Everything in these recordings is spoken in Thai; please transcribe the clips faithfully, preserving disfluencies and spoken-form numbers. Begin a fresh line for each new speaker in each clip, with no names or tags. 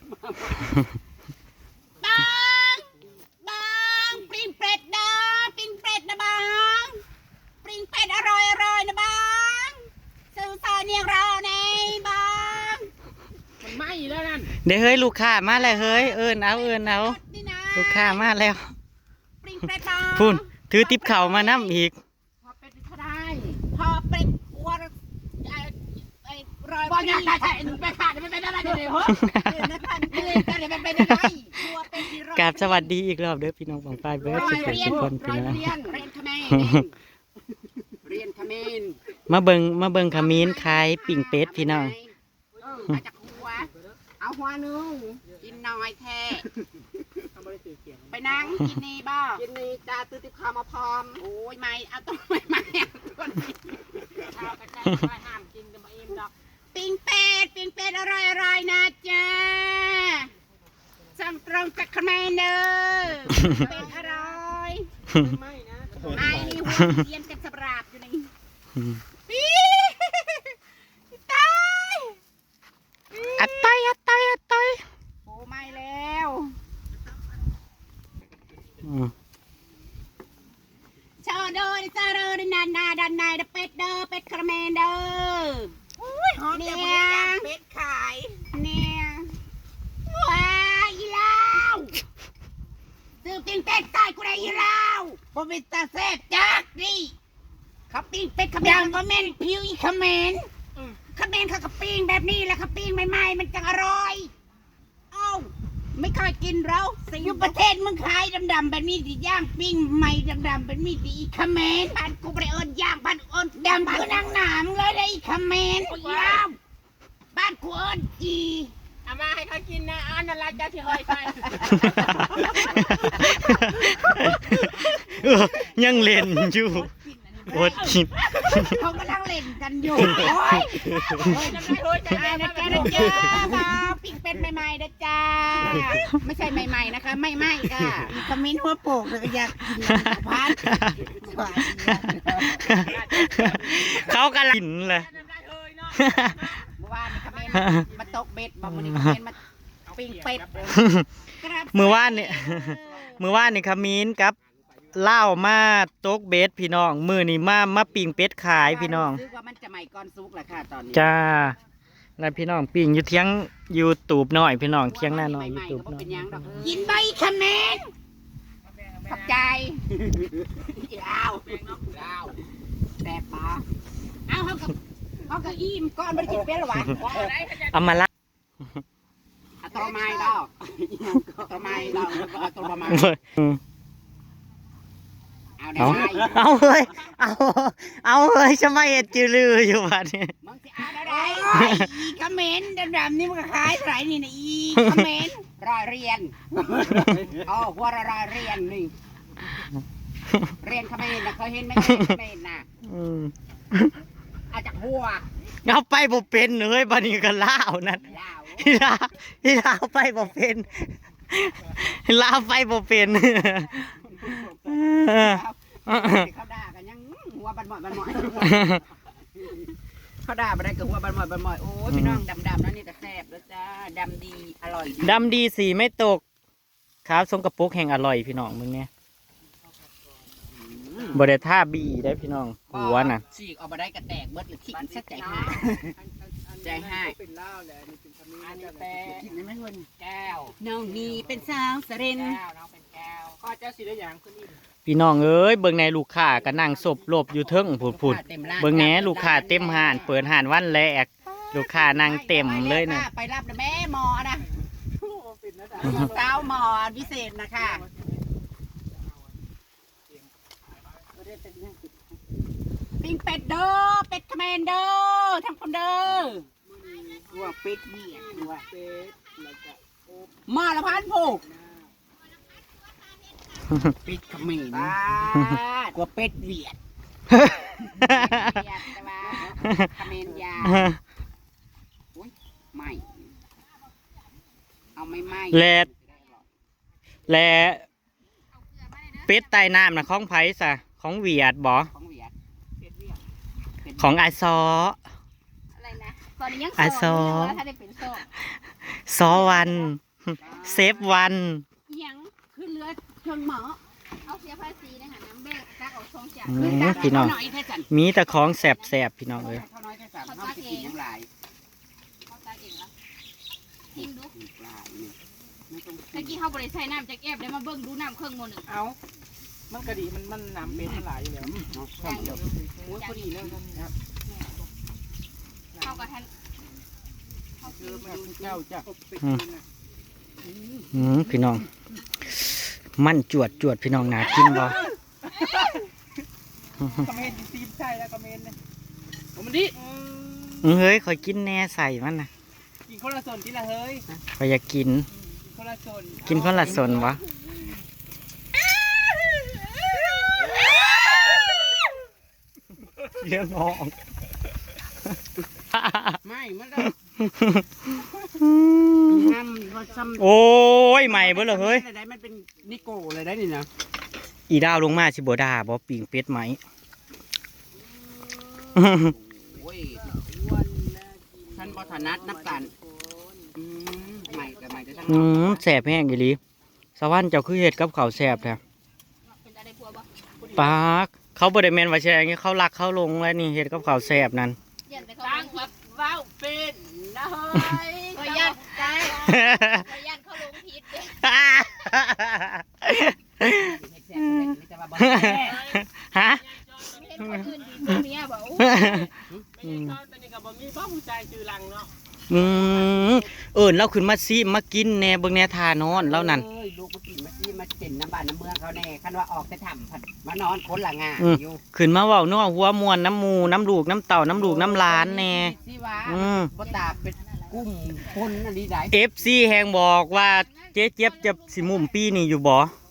บังบังปิ้งเป็ดนะปิ้งเป็ดนะบังปิ้งเป็ดอร่อยอร่อยนะบังซื้อซอยเนียงเราในบังมันไหม้แล้วนั่น
เดี๋ยวเฮ้ยลูกค้ามาแล้วเฮ้ยเอิญเอาเอิญเอาลูกค้ามาแล้วพูนถือติ๊บเข่ามาน้ำอีก
พอเป็ดก็ได้พอเป็ดวัวไอ้รอยบอลยังได้ใช่ไปขาดไม่เป็นอะไรเลยเหรอ
กับสวัสดีอีกรอบเด้อพี่น้องของฝ่ายเบิร์ดสุดทุกคนพี่น้อง
เรียนขมิ้น
มาเบิงมาเบิงขมิ้นขายปิ่งเป็ดพี่น้อง
มาจากหัวเอาหัวนึงกินน้อยแท้ไปนั่งกินนี่บ้ากินนี่จะตื้อติบข้าวมาพร้อมโอ้ยไม่เอาต้องไม่ไม่คนนี้ข้าวกระจายไปห้ามกินจะมาเอ็มดอกปิ้งเป็ดปิ้งเป็ดอร่อยอร่อยนะจ๊ะสั่งตรงจากขมิ้นเด้อเป็ดอร่อยไม่นะไม่นี่หัวเยียนกับสปราบอยู่นี่ปีตาย
อัดต้อยอัดต้อยอัดต้อย
โอ้ไม่แล้วชอเดอร์ซาเดอร์นานาดันนายเดเป็ดเดอร์เป็ดคาราเมลเดอร์เนี่ยเป็ดขายเนี่ยว้าอีลาวซื้อปิ้งเป็ดใส่กูได้อีลาวบ่เป็นตาแซ่บจักดิเขาปิ้งเป็ดขมิ้นบ่แม่นผิวอีขมิ้นขมิ้นเขาก็ปิ้งแบบนี้แหละเขาปิ้งใหม่ๆมันจังอร่อยเอ้าไม่เคยกินเราสิอยู่ประเทศมึงขายดำๆแบบนี้ดิย่างปิ้งใหม่ดำๆแบบนี้ดิอีขมิ้นบ้านกูไปเอิญย่างบ้านเอิญดำคือนางหนามเลยได้อีขมิ้นย่างบ้านกูเอิญจีเอามาให้เขากินนะอันนั้นละเจ้าที่เฮ้ยไป
ยังเล่นอยู่อดกิน
เขากำลังเล่นกันอยู่โอ้ยโอ้ยจ้านะจ้านะจ้ามาปิ้งเป็ดใหม่ๆนะจ้าไม่ใช่ใหม่ๆนะคะไม่ไหม้ค่ะคอมเมนต์หัวโปกเลยอยากกินพัด
เขากำลังกินเลย
เมื่อวานคอมเมนต์มาตกเบ็ดบอกมันคอมเมนต์มาปิ้งเป็ด
เมื่อวานเนี่ยเมื่อวานนี่ขมิ้นกับเล่ามาตกเบ็ดพี่น้องมือนี่มามาปิ่งเป็ดขายพี่น้อง
ซื้อว่ามันจะใหม่ก่อนซุกแหละค่ะตอนนี้
จ้าแล้วพี่น้องปิ่งอยู่เที่ยงยูทูบหน่อยพี่น้องเที่ยงหน้าหน่อยยูทูบหน่อย
กินใบขมิ้นขับใจยาวยาวแซ่บปะเอาเขากับเขากับอิ่มก้อนไม่ได้กินเป็ดหรอวะ
เอามาละ
ตัวไม้ดอกตัวไม้ดอกแล้วก็ตัวประมาณ
เอาเอาเฮ้ยเอาเอาเฮ้ยจะไม่เห็นจืดลืออยู่บ้านนี้
มึงจะเอาอะไรอีคอมเมนต์ดำๆนี่มันก็ขายไรนี่นะอีคอมเมนต์รอยเรียนอ๋อหัวรอยเรียนนี่เรียนคอมเมนต์นะเคยเห็นไหมคอมเมนต์นะเอาจากหัว
เอาไปบ่เป็นเลยบ้านนี้ก็ล่านั่นที่ลาที่ลาไปบ่เป็นลาไปบ่เป็น
เขาด่ากันยังหัวบันหมอยบันหมอยเขาด่าไปได้กับหัวบันหมอยบันหมอยโอ้ยพี่น้องดำๆนั่นนี่แต่แซ่บแล้วจ้าดำดีอร่อย
ดำดีสีไม่ตกครับทรงกระปุกแห่งอร่อยพี่น้องมึงเนี่ยบริท่าบีได้พี่น้องหัวน่ะ
ฉีกออกมาได้กระแตกเบิดหรือทิ้งซะใจให้ใจให้อันนี้แต่กินได้ไหมคุณแก้วน้องนี่เป็นสาวสเรนแก้วน้องเป็นแก้วข้อเจ้าสีได้อย่างคุณนี่
พี่น้องเอ้ยเบิ่งในลูกค้าก็นั่งศพหลบอยู่เทิงผุดผุดเบิ่งแหนลูกค้าเต็มห่านเปิดห่านวันแรกลูกค้านั่งเต็มเลยนะ
ไปรับนะแม่หมอนะสาวหมอพิเศษนะคะปิ้งเป็ดเด้อเป็ดคอมเมนเด้อทำคนเด้อตัวเป็ดเนี่ยตัวเป็ดมาละพันผูกเป็ดคอมเมนกลัวเป็ดเวียดเวียดแต่ว่าคอมเมนยาไม่เอาไม่ไม่
แลแลเป็ดใต้น้ำนะของไผ่ซะของเวียดบ่ของไอซอ
อะไรนะตอนนี้ยังโสดอยู่ถ้าได้เป็นโสด
ซอวันเซฟวัน
ยังขึ้นเรือชนหมอเอาเสียภาษีนะฮะน้ำแบกตักออกช่องจาก
อืมพี่น้อง
หน่อยแค่จัน
มีแต่ของแสบๆพี่น้องเอ้ย
เขาน้อยแค่สามเขาจะกินยังไง
เขาตักเองละชิมดู
ปลาเนี่ยไม่ต้อง
ตะกี้เขาบริใส่น้ำจากแอบได้มาเบิ่งดูน้ำเครื่องโมหนึ่ง
เอามันกระดีมันมันน้ำเป็นหลายอยู่แล้ว
เนาะข้าวเดียวโอ้ยพอดีเลยครับ
เข้ากับท่าน
คือมาดูเจ้าจ้ะ
อืมพี่น้อง มันจวดจวดพี่น้องหนากินบ่
คอมเมนต์ซีมใช่แล้วคอมเมนต์นะ
ผมมันดิ
อือเฮ้ยคอยกินแน่ใส่มันนะ
กินคนละส่วนที่ละเฮ้ย
คอยอยากกิน
คนละส่วน
กินคนละส่วนวะเลี้ยงน้อง
ไม่มันได้ห้ามว่าซ้ำ
โอ้ยใหม่เบิ่เลยเฮ้ย
ได้มันเป็นนิโก้เลยได้นี่นะ
อีดาวลงมาสิบ่ด่าบ่ปิ่งเป็ดไหม
โอ้ยอ้วนท่านบอถนัดนับกันอืมใหม่กับใหม่จะทั้ง
อืมแสบแห้งอีหลีสวรรค์เจ้าคือเฮ็ดกับข้าวแสบแท้
เป็นอะไรพัวบ่
ปากเขาบ่ได้แม่นว่าแช่อย่างงี้เขารักเขาลงแล้วนี่เฮ็ดกับข้าวแสบนั่น
ยันแต่เขา
ตั้ง
ล
แบบว้าวเป็นนะเฮ้ย
งผิดยันใจยันเขาลงผิดเด้
ฮะ
เห็นคนอื่นดีเมียบอก
ไม่ใช่เขาตอนนี้กับบะมีบ้าผู้ชายชื่อลังเนาะ
อืมเอิ้นเราขึ้นมาซิมากินแหน่เบิ่งแหน่ทานอนแล้วนั่น
เอ้ยลูกมากินมาซีมาเจ็นน้ำบ้านน้ำเมืองเขาแน่คันว่าออกจะทำผัดมานอนคนละงานอยู่
ขึ้นมาเว้านัวหัวมวนน้ำหมูน้ำลูกน้ำเต่าน้ำลูกน้ำหลานแหน่
สิว่า
อืม
บ่ตาเป็นกุ้มคนอันนี้ได้
เอฟซีแฮงบอกว่าเจ๊เจี๊ยบจะสิมุมปีนี่อยู่บ่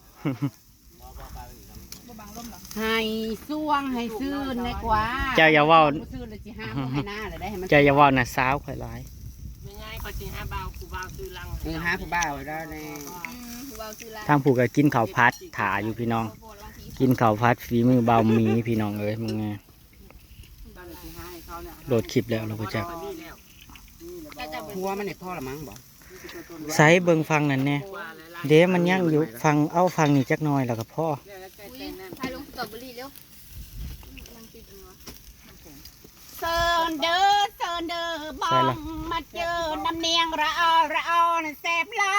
ให้ซ่วงให้ซื่นในกว่า
เจ้าอย่าเว้า
ซื่นเลยสิห้ามบ่ให้หน้าเลยได้ให้มัน
เจ้าอย่าเว้าน่ะสาวข่อยหลาย
ไม่ง่ายก็จีห้าเบาคูเบาชื่อลัง
เออห้าผู้บ่าวได้แน่
เบาซื้อละ
ทางผู้ก็กินข้าวผัดถาอยู่พี่น้อง กินข้าวผัดฝีมือเบาหมีพี่น้องเอ้ยมึงไง
ตอนนี้สิให้เขาเนี่ย
โหลดคลิปแล้วเราก็จะ
ครัวมันเนี่ยพ่อละมั้งบ่
ใส่เบิ่งฟังนั่นแน่เด้มันยังอยู่ฟังเอาฟังนี่จักหน่อยแล้วก็พ่อ
อุ้ยพายลงสตรอเบอรี่เร็วนั่งติดอันนี้วะเซิร์นเด้อเซิร์นเด้อบองมาเจอน้ำเนียงระออระออน่ะแซ่บหลาย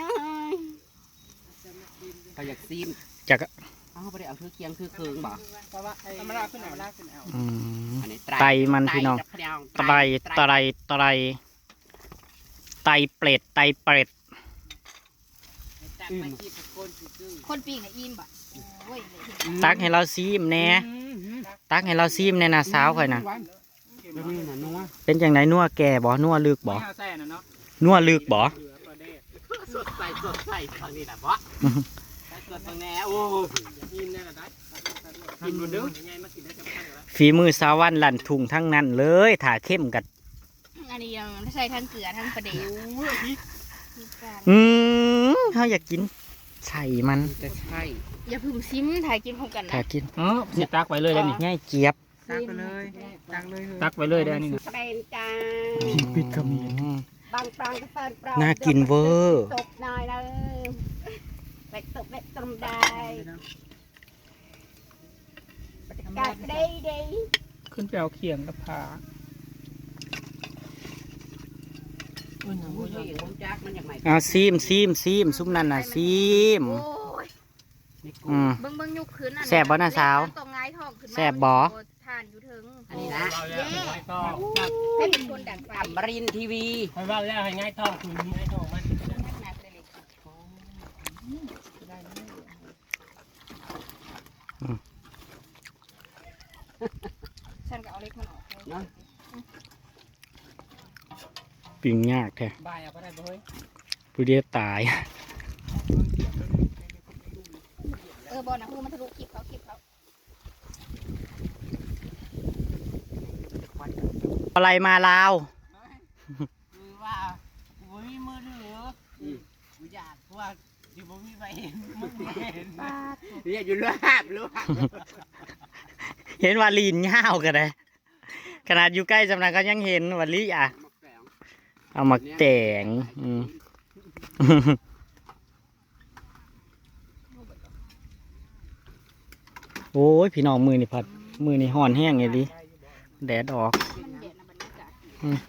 เขาอยากซีม
จัก
อ้าวบ่ได้เอาคือเคียงคือเคืองบ่
เพราะว่าธรรมดาขึ้นเอาลากขึ้นเอา
อืม
อันนี้
ไตมันพี่น้อง ไตรไตรไตรไตเปรตไตเปรต
คนปีกน่ะอิ่มบ่โอ้ย
ตักให้เราซีมแน่ตักให้เราซีมแน่นะสาวข่อยน่ะ
แบบนี้น่ะนัว
เป็นจังไดนัวแก่บ่นัวลึกบ่
ไม่เอาแซ่นะเนาะ
นัวลึกบ่
เหลือประเดช
สดใส่สดใส่ตอนนี้แหละบ่ใส่สดตรงแน่โอ้
กินได้ละได้กินบนเด้อยังไงมากินได้จำเป็นแล้ว
ฝีมือสาววันลั่นทุ่งทั้งนั้นเลยถ้าเข้มกัด
อันนี้ยังใส่ทั้งเกลือทั้งปลาเดี๋ยว
อืมเฮาอยากกินใส่มัน
จะใช่
อย่าพึ่งซิมถ่ายกินพร้อมกัน
ถ้า
นะ
กิน
เออสิตักไว้เลยได้นี่
ง่ายเจี๊ยบ
ตักไปเลยตักเลยตักไว้เลยได้นี่
เป็นจ้า
ปิดก็มี
บางปรางก็เฟิร์นปราง
น่ากินเวอร์
ตกหน่อยนะเป็ดตกเป็ดตมได้กาดได้ดี
ขึ้นไปเอาเขียงกับผา
โอ้ยผมจักมันอย่างไร
เอาซีมซีมซีมซุปนั่นน่ะซีม
โอ้ย
นี่กู
อืม
เบิ่งเบิ่งยุกขึ้นอัน
แซ่บบ่น่ะสาว
ตรงไงท้องขึ้นมา
แซ่บบ่
ทานอยู่ถึง
อันนี้นะ
เราแล้วไม่ต้อง
ให้เป็นคนดังไฟ
อมรินทร์ทีวี
ให้ว่าแล้วให้ง่ายท้องคือง่ายท้องมัน
หนักเลยเลยฉันก็เอาเล็กมันออก
เนาะ
ปิ้งยากแท้
บายเอาไปได้บ่เฮ้ย
ผู้เดียวตาย
เออบอลนะคือมันทะลุคลิปเขาคลิปเขา
อะไรมาลาว
คือว่ากูไม่มีมือถือกูอยากว่าอยู่บ่มีไปเห็นมึงเห็นเนี่ยอยู่ลาบลาบ
เห็นว่าลีนยาวกันเลยขนาดอยู่ใกล้จำนันก็ยังเห็นว่าลีอ่ะเอามาแต่งอืม โอ้ยพี่น้องมือนี่พัดมือนี่ห่อนแห้งไงดิแดดออกอืม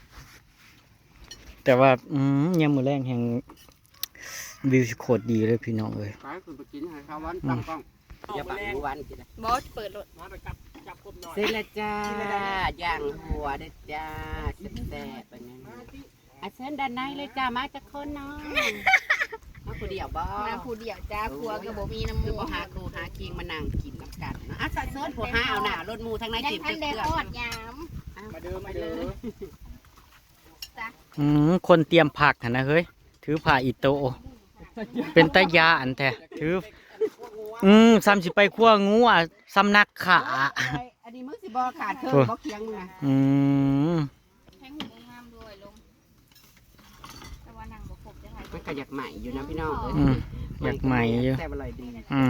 แต่ว่าอืมยังมือแรงแห่งวิวโคตรดีเลยพี่น้องเลย
ไปคุณไปกินให้ข้าววันตั้งกล้องอย่าบังมือวันกินนะ
บอสเปิดรถ
มาไปจับจับกบหน่อย
เสร็จแล้วจ้าย่างหัวเด้อจ้าแซ่บๆไปงั้นอ่ะเชิญด้านในเลยจ้ามาจากคนเนาะมาผู้เดียวบ่
มาผู้เดียวจ้าครัวก็บ่มีน้ำ
คื
มู
อบ่หาครูหาคิงมานั่งกินน้ำกันเนาะอ่ะสัตว์เชิญผู้หาเอาหน้ารถหมูทั้งใน
ยัง
ติด
ทัน
เค
ได้
รื่อง
ทอดยาม
มาเดิมมาเดิม
อืมคนเตรียมผักหั่นนะเฮ้ยถือผ้าอิโตะเป็นตะยาอันแท้ถืออืมซ้ำสิไปคั่วงูอ่ะซ้ำนักขา
อันนี้มึงสิบ่ขาดเครื่องบ่เคียงมึงนะ
อืม
แทงหูงามด้วยลงแต่ว่านั่งบ่ครบจังไง
มันก็อยากใหม่อยู่นะพี่น้องเอ้ย
อืมอยากใหม่อยู่
แซ่บอร่อยดี
อืม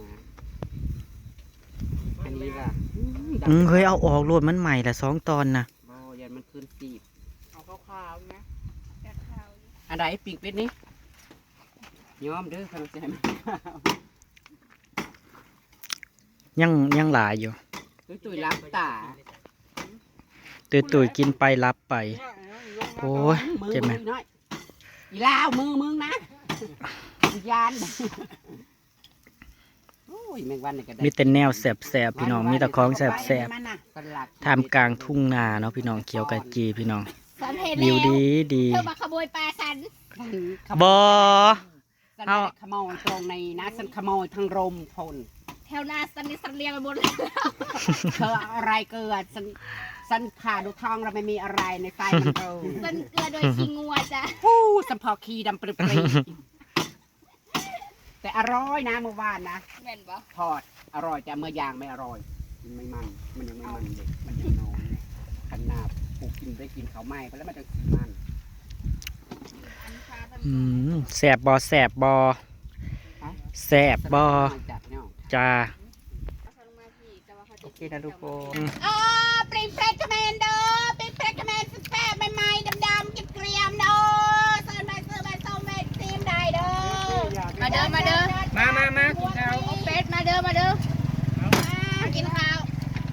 อันนี้ล่ะ
อืมเฮ้ยเอาออกโลดมันใหม่ละสองตอนนะ
บ่ยันมันขึ้นสีบ
เอาขาวๆนะ
แกะข้าวอยู่
อันใดปิ่งเป็ดนี่ยอมเด้อขนมใจมัน
ยังยังหลายอยู่
ตุ้ยตุ้ยรับตา
ตุยตุยๆกินไปรับไป โอ้ย
มือ
เจ็บไหม
มือน้อยอีลาวมือมึงนะยานโอ้ยแมงวันนี่ก็ได้
มีแต่แนวแสบๆพี่น้องมีแต่ของแสบ
สลัด
ๆท่ามกลางทุ่งนาเนาะพี่น้องเขียวกะจีพี่น้อง
สันเห็น
วิว
แล้ว
ดีดี
เธอมาขโมยปลาสัน
บอ
สัน
เอา
ไม่ได้ขโมยตรงในนะสันขโมยทางลมพล
แถวหน้าสันนี่สันเรียงไปหมดเลย
เธออะไรเกิดสันสันขาดูทองเราไม่มีอะไรในไฟมันเออ
สันเกลือโดยชิงงัวจ้ะ
ฟู้สัมพอคีดำปริปรีแต่อร่อยนะเมื่อวานนะ
แม่นบ่
ทอดอร่อยแต่เมื่อยางไม่อร่อยมันไม่มันมันยังไม่มันเด็กมันยังน้อยขนาดผูกกินได้กินเขาวไหม้ไปแล้วมันจะสีมัน
อันฟ้ามัน
อืมแสบบอแสบบอแสบบอ
จัดเนี่ย
จ้า
เอาเขาลงมาพี่แต่ว่าเขาจะ
โอเคนะทุกคน
อ๋อปริงเฟรชคอมเมนเดอร์ปริงเฟรชคอมเมนแซ่บๆใหม่ๆดำๆเกรียมๆเด้อเซิร์นไปเซิร์นไปส้มไปซีมได้เด้อมาเด้อมาเด้อ
มามามากินข้าว
เอาเป็ดมาเด้อมาเด้อมากินข้าว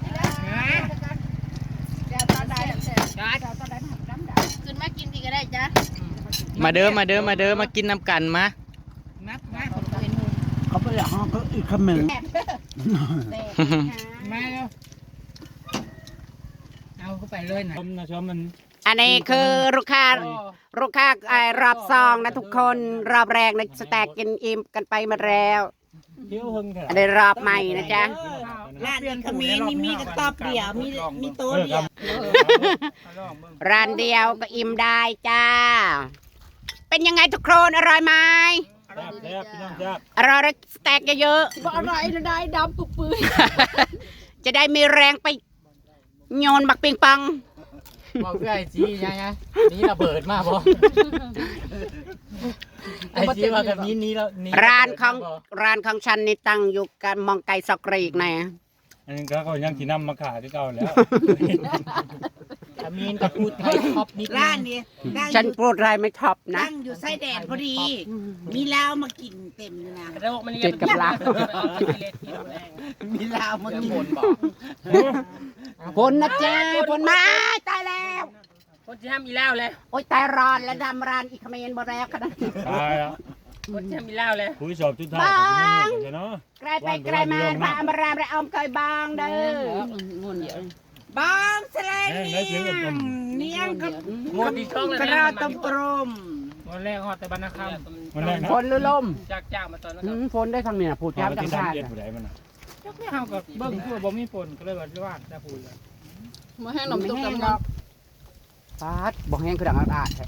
เดี๋ยวตอนใดเดี๋ยวตอนใดขึ้นมากินดีก็ได้จ้ะ
มาเด้อมาเด้อมาเด้อมากินน้ำกันมา
นัดมา
เขาไปห้องก็อีกคำหนึ่ง
แซ่บแซ่บ
มาแล้วเอาเข้าไปเลยนะชมนะชมมัน
อันนี้คือลูกค้าลูกค้าไอ้รอบซองนะทุกคนรอบแรกนะสแต็กกินอิ่มกันไปมาแล้ว
เที่ยวหึงเถอะ
อันนี้รอบใหม่นะจ๊ะ
ร้านขมิ้นนี่มีกระตอบเดียวมีมีโต๊ะเดียว
ร้านเดียวก็อิ่มได้จ้า เป็นยังไงทุกคนอร่อยไหม
แซ่บแซ่บพี่น้องแซ่บ
อร่อยแล้วสแต็กเยอะ
บ่อร่อยนะได้ดำปุบปื้
ๆ จะได้มีแรงไปโยนบักปิงปัง
บอกไอ้จียังไงนี่ระเบิดมากบ่ไอ้จีว่ากับนี้นี้แล้ว
ร้านของร้านของฉันนี่ตั้งอยู่กันมองไกลสกรีกนะ
อันนี้ก็เขายังที่นำมาขายที่เก่าแล้ว
ขมิ้นกับพูดไทยท็อปนิดนึง
ร้านนี้ตั้งอ
ฉัน
ยู่
พูดอะไรไม่ท็อปนะ
ตั้งอยู่ไส้แดดพอดี มีเหล้ามากินเต็มเลยนะ
เจ็ดกับลาว
มีเหล้ามากิน
ผลนะจ๊ะผลมาตายแล้ว
คนที่ทำอีแล้วเลย
โอ้ยตายร้อนแล้วดำรานอีกเขมรบ่แล้วขนาดนี้
ตายแล้ว
คนที่ทำอีแล้วเลย
คุยสอบทุกท่ายผมไม่เห็นเนาะ
ไกลไปไกลมาพระอมรามและอมเคยบางเด้อ
บ้องแสลง
แม่งได้เสียงกับผม
เนียงกับ
หมดที่ช่องเลย
กระ
นะ
รอกต้มกลม
วันแรกฮอดแต่บรรณค
มันแรกนะ
ฝนหรือลม
ำจากจากมาตอนนั้น
อืมฝนได้ทางนี้นะพูด
พา
ย้ำ
ไป
จั
ที่
ง
สาม
ชาติ
เจ็ดผู้ใดมันน่ะ
จักไม่เอากับเบิ้งคือบ่มีฝนก็เลยว่าว่าจะพูดเลย
มาให้หนม
ไม่
ตุ๊ก
แห้ง
ตำ
หร
เนาะ
อกฟาดบ่แห้งคือดังอาดๆแท้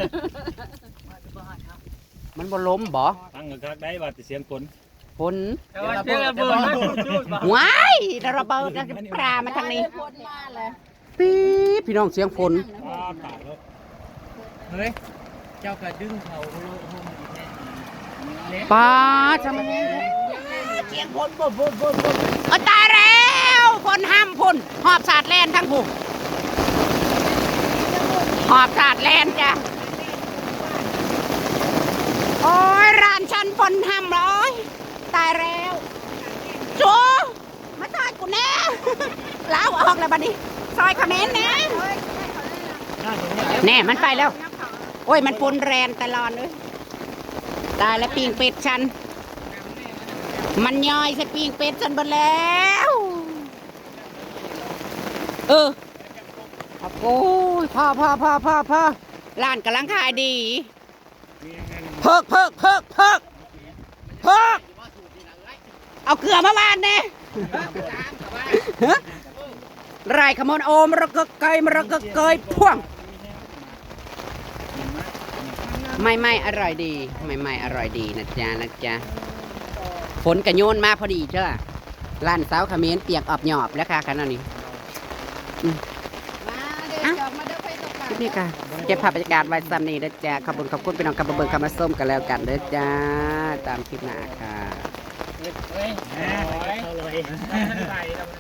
มันบ่ล้มบ่
ตั้งกระคักได้ว่าแต่เสียงฝน
ฝน
แต่ว่าเจอระเบิดมาจุดบ่
ว้ายระเบิดนะปลามาทางนี้
พ้นมาเลย
ปี๊บพี่น้องเสียงฝน
ว้าตายแล้ว
เฮ้ยเจ้ากระดึงเขาโลโฮมอีกแน่
ป้าจะมา
เสียงพนบนบนบนบน
เออตายแล้วฝนห้ามฝนหอบสาดแล่นทั้งผู้ห
หอบถาดแลนจ้ะโอ้ยร้านฉันฝนห้ำเลยตายแล้วจูมาซอยกูแน่ ล้าวออกแล้วบัดนี้ซอยคอมเมนต์นะแน่มันไปแล้วโอ้ยมันฝนแรงตลอดเลยตายแล้วปิงเป็ดฉันมันย่อยใส่ปิงเป็ดฉันหมดแล้วเออโอ้ยพ่อพ่อพ่อพ่อพ่อร้านกำลังขายดีเพิกเพิกเพิกเพิกเพิกเอาเกลือมาวานแน่ไรขโมยโอมระกะเกยมระกะเกยพ่วงไม่ไม่อร่อยดีไม่ไม่อร่อยดีนะจ๊ะนะจ๊ะฝนกระโยนมาพอดีเจ้าร้านสาวเขมิ้นเปียกออบหยอบแล้วค่ะขนาดนี้คลิปนี้ค่ะเก็บภาพบรรยากาศไว้ซ้ำนี้นะจ๊ะขอบคุณขอบคุณพี่น้องกำลังเบิ่งคำมาส้มกันแล้วกันเด้อจ้าตามคลิปหน้าค่ะ
เฮ้ยเฮ้ยเอาเลย